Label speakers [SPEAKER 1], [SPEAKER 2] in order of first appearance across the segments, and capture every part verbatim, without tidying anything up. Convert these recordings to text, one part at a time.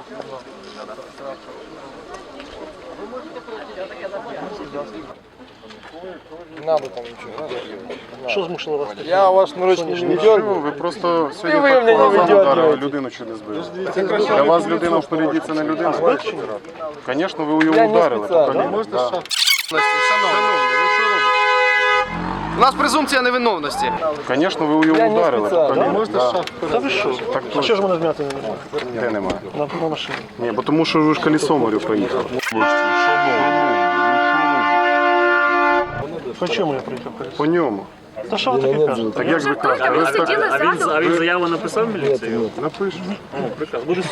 [SPEAKER 1] Не надо там ничего.
[SPEAKER 2] Що змусило вас?
[SPEAKER 1] Я ваш наручник не дергаю.
[SPEAKER 3] Ви просто сьогодні
[SPEAKER 1] ви
[SPEAKER 3] так
[SPEAKER 1] мене
[SPEAKER 3] по
[SPEAKER 1] не
[SPEAKER 3] глазам ударили,
[SPEAKER 1] видергуєте.
[SPEAKER 3] людину чи не збили. Для вас людина впереді це не людина? Звісно, ви його
[SPEAKER 1] Я не
[SPEAKER 3] ударили.
[SPEAKER 1] спеціально.
[SPEAKER 3] Можете да.
[SPEAKER 4] У нас презумпція невиновності.
[SPEAKER 3] Звісно, ви його
[SPEAKER 1] Я не
[SPEAKER 3] ударили.
[SPEAKER 1] спеціально.
[SPEAKER 3] Можете да.
[SPEAKER 2] Та ви що?
[SPEAKER 3] Так
[SPEAKER 2] А що ж мене змяти не можна?
[SPEAKER 3] Де немає?
[SPEAKER 2] На, на машині.
[SPEAKER 3] Ні, бо тому що ви ж колесом говорю, проїхали.
[SPEAKER 2] По чому я приїхав?
[SPEAKER 3] По ньому.
[SPEAKER 2] Та що ви таке кажете?
[SPEAKER 3] Так як ви кажете? Ви ж так
[SPEAKER 5] А він, а він заяву написав в міліцію?
[SPEAKER 3] напишете.
[SPEAKER 2] Буде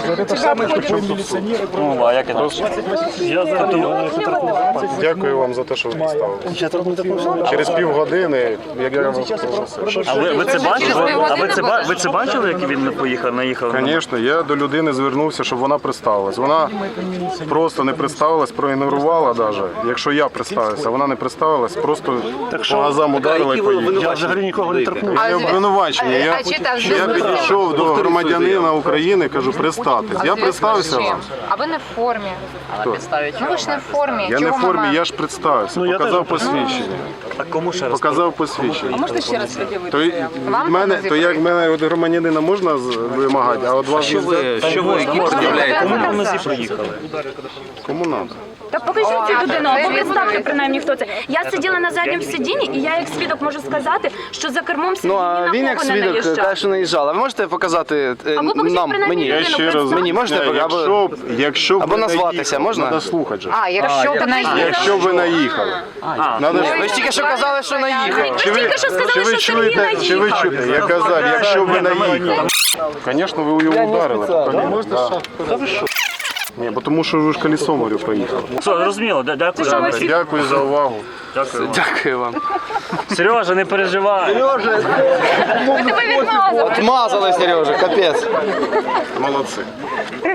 [SPEAKER 5] Ну, а як це? Я зараз
[SPEAKER 3] Дякую вам за те, що ви поставили.
[SPEAKER 2] Я тут не такого.
[SPEAKER 3] Через півгодини, як я вам попросив.
[SPEAKER 5] А ви, ви це бачили? А ви це, ба- ви це бачили, як він не поїхав, наїхав? на-
[SPEAKER 3] Звісно, я до людини звернувся, щоб вона представилась. Вона просто не представилась, проігнорувала навіть. Якщо я представився, вона не представилась, просто по газам ударила і поїхала.
[SPEAKER 2] Я взагалі нікого не торкнув.
[SPEAKER 3] Я обвинувачення. Я,
[SPEAKER 6] А чи там
[SPEAKER 3] я підійшов до громадянина України, кажу, представтесь. Я представився вам.
[SPEAKER 6] А ви не в формі.
[SPEAKER 3] Хто?
[SPEAKER 6] Ну ви ж не в формі.
[SPEAKER 3] Я не в
[SPEAKER 6] Чого
[SPEAKER 3] формі,
[SPEAKER 6] мама?
[SPEAKER 3] я ж представився,
[SPEAKER 2] я
[SPEAKER 3] показав
[SPEAKER 2] теж.
[SPEAKER 3] посвідчення.
[SPEAKER 5] А кому ще раз?
[SPEAKER 3] Показав посвідчення.
[SPEAKER 6] Можете ще раз пред'явити?
[SPEAKER 3] То, й-
[SPEAKER 6] Вам
[SPEAKER 3] мене,
[SPEAKER 6] показати?
[SPEAKER 3] то як мене від громадянина можна з- вимагати, а от вас
[SPEAKER 5] Що ви, що ви пред'являєте? Кому на нозі проїхали?
[SPEAKER 3] кому треба?
[SPEAKER 7] Та покажіть цю людину,
[SPEAKER 6] це
[SPEAKER 7] або
[SPEAKER 6] він
[SPEAKER 7] представте
[SPEAKER 6] говорить.
[SPEAKER 7] принаймні, хто це. Я сиділа на задньому сидінні, і я як свідок можу сказати, що за кермом сидів
[SPEAKER 4] Ну, а
[SPEAKER 7] ні
[SPEAKER 4] він
[SPEAKER 7] на
[SPEAKER 4] як
[SPEAKER 7] кого не
[SPEAKER 4] свідок
[SPEAKER 7] наїжджав.
[SPEAKER 4] каже, що наїжджала. Ви можете показати е,
[SPEAKER 7] Або покажіть
[SPEAKER 4] нам,
[SPEAKER 7] принаймні
[SPEAKER 4] мені?
[SPEAKER 3] Я
[SPEAKER 7] людину,
[SPEAKER 3] ще раз
[SPEAKER 7] представте.
[SPEAKER 4] Мені можете
[SPEAKER 3] Ні,
[SPEAKER 4] показати?
[SPEAKER 3] якщо, б- якщо б
[SPEAKER 4] або
[SPEAKER 3] ви
[SPEAKER 4] назватися
[SPEAKER 3] наїхали,
[SPEAKER 4] можна?
[SPEAKER 3] Треба слухати же.
[SPEAKER 6] А, якщо б не
[SPEAKER 3] Якщо б ви наїхали. Надо ж-
[SPEAKER 4] Ви ж тільки що казали, що наїхали.
[SPEAKER 3] Чи ви,
[SPEAKER 7] тільки що сказали,
[SPEAKER 3] чи ви
[SPEAKER 7] що Сергій
[SPEAKER 3] чуєте, чи ви чуєте? Я казав, якщо б ви наїхали. Звісно, ви його
[SPEAKER 1] Я не
[SPEAKER 3] ударили.
[SPEAKER 1] спеціально.
[SPEAKER 3] Можете Та ви що? Ні, бо тому що ви ж колесом говорю, проїхали.
[SPEAKER 5] Все, зрозуміло, дя- дякую.
[SPEAKER 3] Дякую за увагу.
[SPEAKER 5] Дякую вам.
[SPEAKER 4] Дякую вам.
[SPEAKER 5] Сережа, не переживай.
[SPEAKER 6] ви тебе відмазали.
[SPEAKER 4] Отмазали, Сережа, капець.
[SPEAKER 3] Молодці.